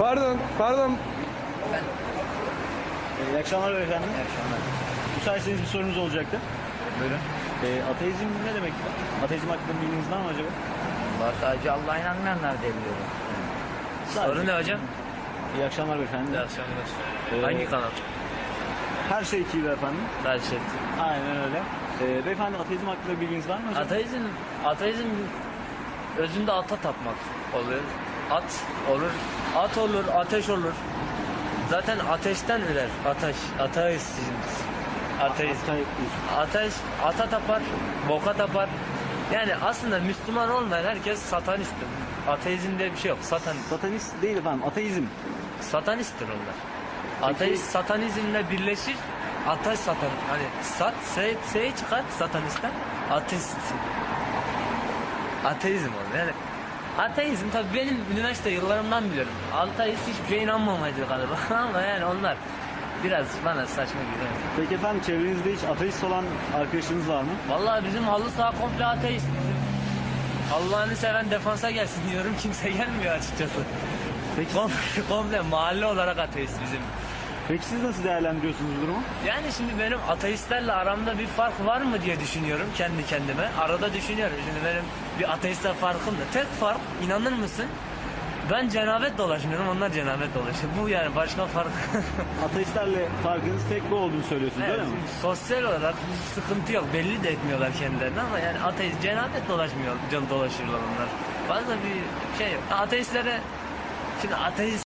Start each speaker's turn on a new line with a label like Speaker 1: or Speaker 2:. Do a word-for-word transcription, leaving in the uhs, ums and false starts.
Speaker 1: Pardon, pardon.
Speaker 2: İyi akşamlar beyefendi.
Speaker 3: İyi akşamlar.
Speaker 2: Müsaitseniz bir sorunuz olacaktı.
Speaker 3: Buyurun.
Speaker 2: Ee, ateizm ne demek? Ateizm hakkında bilginiz var mı acaba?
Speaker 3: Var, sadece Allah'a inanmayanlar diye biliyorum.
Speaker 2: Sadece.
Speaker 3: Soru ne hocam?
Speaker 2: İyi akşamlar beyefendi.
Speaker 3: İyi akşamlar.
Speaker 2: Ee,
Speaker 3: Hangi kanal?
Speaker 2: Her şey T V efendim.
Speaker 3: Her şey.
Speaker 2: Aynen öyle. Ee, beyefendi ateizm hakkında bilginiz var mı acaba?
Speaker 3: Ateizm, ateizm özünde ata tapmak oluyor. At olur, at olur, ateş olur. Zaten ateşten ürer. Ateş, ateizm. Ateist. Ateş, ata tapar, boka tapar. Yani aslında Müslüman olmayan herkes satanisttir. Ateizm diye bir şey yok. Satan,
Speaker 2: Satanist değil efendim, ateizm.
Speaker 3: satanisttir onlar. Ateist satanizmle birleşir. Ateş satan. Hani sat, se, se çıkar satanistten. Ateist. Ateizm olur. Yani ateizm tabii benim üniversite yıllarımdan biliyorum. Ateist hiçbir şeye inanmamaydı galiba. Ama yani onlar biraz bana saçma geliyor.
Speaker 2: Peki efendim çevrenizde hiç ateist olan arkadaşınız var mı?
Speaker 3: Vallahi bizim halı saha komple ateist. Allah'ını seven defansa gelsin diyorum. Kimse gelmiyor açıkçası.
Speaker 2: Peki,
Speaker 3: Komple, komple mahalle olarak ateist bizim.
Speaker 2: peki siz nasıl değerlendiriyorsunuz bu durumu?
Speaker 3: Yani şimdi benim ateistlerle aramda bir fark var mı diye düşünüyorum kendi kendime. Arada düşünüyorum. Şimdi benim bir ateistle farkım da. Tek fark, inanır mısın? Ben cenabet dolaşmıyorum, onlar cenabet dolaşıyor. Bu yani başka fark.
Speaker 2: Ateistlerle farkınız tek bu olduğunu söylüyorsunuz
Speaker 3: Evet,
Speaker 2: öyle mi?
Speaker 3: sosyal olarak bir sıkıntı yok. Belli de etmiyorlar kendilerini ama yani ateist cenabet dolaşmıyor, can dolaşırlar onlar. Fazla bir şey yok. Ateistlere şimdi ateist